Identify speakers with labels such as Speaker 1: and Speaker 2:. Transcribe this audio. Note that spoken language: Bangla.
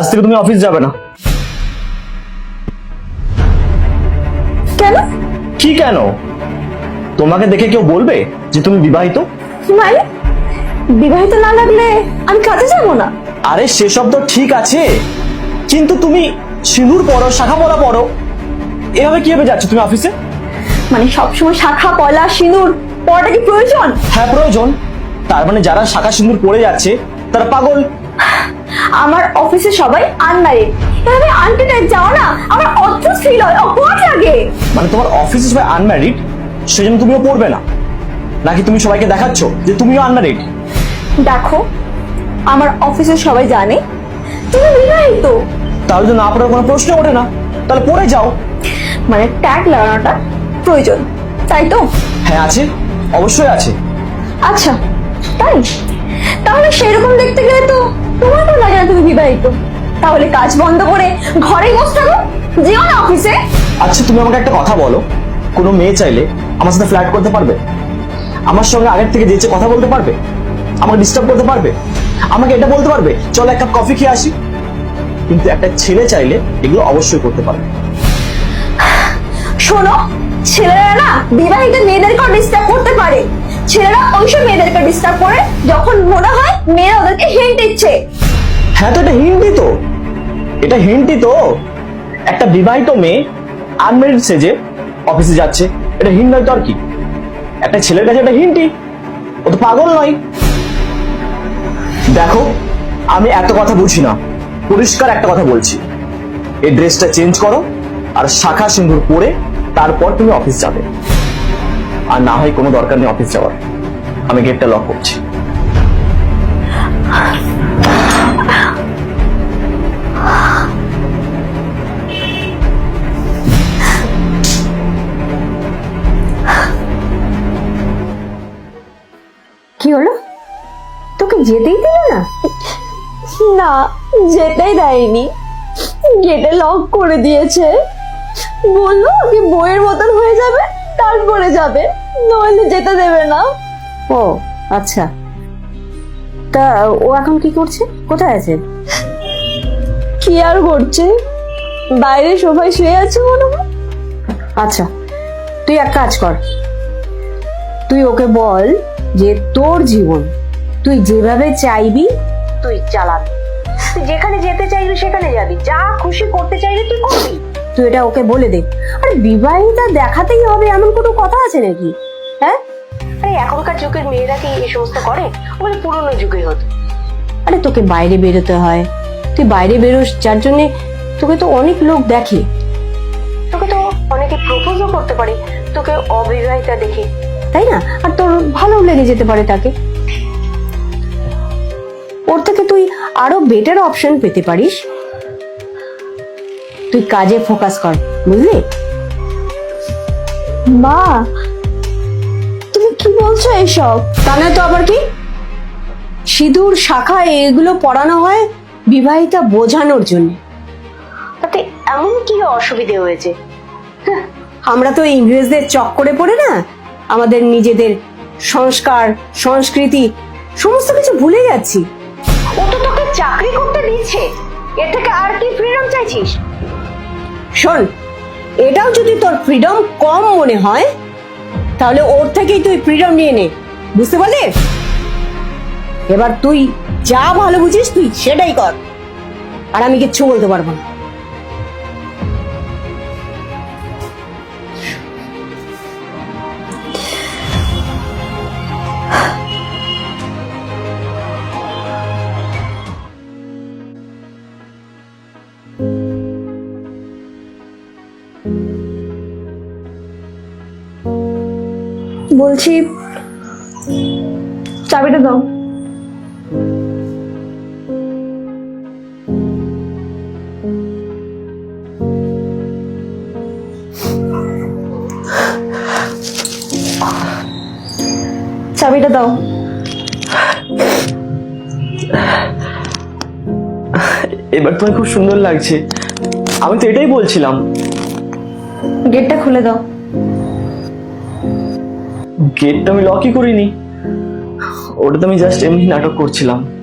Speaker 1: আজ থেকে তুমি অফিস যাবে না।
Speaker 2: কেন?
Speaker 1: কি কেন? তোমাকে দেখে কেউ বলবে যে তুমি বিবাহিত?
Speaker 2: মানে বিবাহিত না লাগলে আমি কাজে যাব না?
Speaker 1: আরে সেসব তো ঠিক আছে, কিন্তু তুমি সিঁদুর পরো, শাখা পলা পরো, এভাবে কিভাবে যাচ্ছ তুমি অফিসে?
Speaker 2: মানে সবসময় শাখা পয়লা সিঁদুর পরাটা কি প্রয়োজন?
Speaker 1: হ্যাঁ প্রয়োজন। তার মানে যারা শাখা সিঁদুর পরে যাচ্ছে তারা পাগল।
Speaker 2: আমার অফিসে সবাই আনম্যারিড, এভাবে আন্টি টাইপ যাও না আমার অদ্ভুত ফিল হয়, অকওয়ার্ড লাগে।
Speaker 1: মানে তোমার অফিসে সবাই আনম্যারিড, সেজন্য তুমিও পড়বে না? নাকি তুমি সবাইকে দেখাচ্ছ যে তুমিও আনম্যারিড?
Speaker 2: দেখো, আমার অফিসে সবাই জানে তুমি বিবাহিত।
Speaker 1: তাহলে তো না পড়ার কোনো প্রশ্ন ওঠে না, তাহলে পড়ে যাও।
Speaker 2: মানে ট্যাগ লাগানোটা প্রয়োজন, তাই তো?
Speaker 1: হ্যাঁ আছে, অবশ্যই আছে।
Speaker 2: আচ্ছা তাই, তাহলে সেরকম দেখতে গেলে তো তোমার তো লাগে না তুমি বিবাহিত। তাহলে কাজ বন্ধ করে ঘরেই বসে থাকো, যেও না অফিসে।
Speaker 1: আচ্ছা তুমি আমাকে একটা কথা বলো, কোনো মেয়ে চাইলে আমার সাথে ফ্লার্ট করতে পারবে? আমার সঙ্গে আগের থেকে যেচে কথা বলতে পারবে? আমাকে ডিস্টার্ব করতে পারবে? আমাকে এটা বলতে পারবে চলো এক কাপ কফি খেয়ে আসি? কিন্তু একটা ছেলে চাইলে এগুলো অবশ্যই করতে পারবে।
Speaker 2: শোনো, ছেলেরা না বিবাহিত মেয়েদেরকে ডিস্টার্ব করতে পারে। ছেলেরা ওইসব মেয়েদেরকে ডিস্টার্ব করে যখন মনে হয় মেয়েরা ওদেরকে হিন্ট দিচ্ছে।
Speaker 1: হ্যাঁ তো এটা হিন্টই তো, এটা হিন্টই তো। একটা বিবাহিত মেয়ে আনমেরিড সেজে অফিসে যাচ্ছে, এটা হিন্ট নয় তো আর কি? একটা ছেলের কাছে এটা হিন্টই, ও তো পাগল নয়। দেখো আমি এত কথা বুঝি না, পরিষ্কার একটা কথা বলছি, এই ড্রেসটা চেঞ্জ করো আর শাখা সিঁদুর পরে তারপর তুমি অফিস যাবে। আর না হয় কোনো দরকার নেই অফিস যাওয়ার, আমি গেটটা লক করছি।
Speaker 2: কি হলো, তোকে যেতেই দিল না? না, যেতেই দেয়নি, গেটে লক করে দিয়েছে। বললো কি বইয়ের মতন হয়ে যাবে তারপরে যাবে, নইলে যেতে দেবে না।
Speaker 3: ও আচ্ছা, তা ও এখন কি করছে, কোথায় আছে?
Speaker 2: কি আর করছে, বাইরে সবাই শুয়ে আছে মনে হয়।
Speaker 3: আচ্ছা তুই এক কাজ কর, তুই ওকে বল যে তোর জীবন তুই যেভাবে চাইবি তুই চালাবি, তুই যেখানে যেতে চাইবি সেখানে যাবি, যা খুশি করতে চাইবি তুই করবি। তুই এটা ওকে বলে দে। আরে বিবাহিতা দেখাতেই হবে এমন কোনো কথা আছে নাকি? হ্যাঁ, আরে এখনকার যুগের মেয়েরা কি এই সমস্ত করে? ওগুলো পুরোনো যুগে হতো। আরে তোকে বাইরে বেরোতে হয়, তুই বাইরে বেরোস যার জন্যে তোকে তো অনেক লোক দেখে, তোকে তো অনেকে প্রপোজও করতে পারে তোকে অবিবাহিতা দেখে, তাই না? আর তোর ভালো লেগে যেতে পারে তাকে, ওর থেকে তুই আরো বেটার অপশন পেতে পারিস। তুই কাজে ফোকাস কর, বুঝলি?
Speaker 2: মা, তুমি কি বলছো এসব?
Speaker 3: তা নয় তো আবার কি, সিঁদুর শাখা এগুলো পরানো হয় বিবাহিতা বোঝানোর জন্য। তাতে এমন কি অসুবিধে হয়েছে? আমরা তো ইংরেজদের চক্করে পড়ে না আমাদের নিজেদের সংস্কার সংস্কৃতি সমস্ত কিছু ভুলে যাচ্ছি। ও তো তোকে চাকরি করতে দিচ্ছে, এর থেকে আর কি ফ্রিডম চাইছিস? শোন, এটাও যদি তোর ফ্রিডম কম মনে হয় তাহলে ওর থেকেই তুই ফ্রিডম নিয়ে নে, বুঝতে পারলি? এবার তুই যা ভালো বুঝিস তুই সেটাই কর, আর আমি কিচ্ছু বলতে পারবো না।
Speaker 2: বলছি চাবিটা দাও। চাবিটা দাও।
Speaker 1: এবার তোমায় খুব সুন্দর লাগছে, আমি তো এটাই বলছিলাম।
Speaker 2: গেটটা খুলে দাও।
Speaker 1: গেটটা আমি লকই করিনি, ওটা তো আমি জাস্ট এমনি নাটক করছিলাম।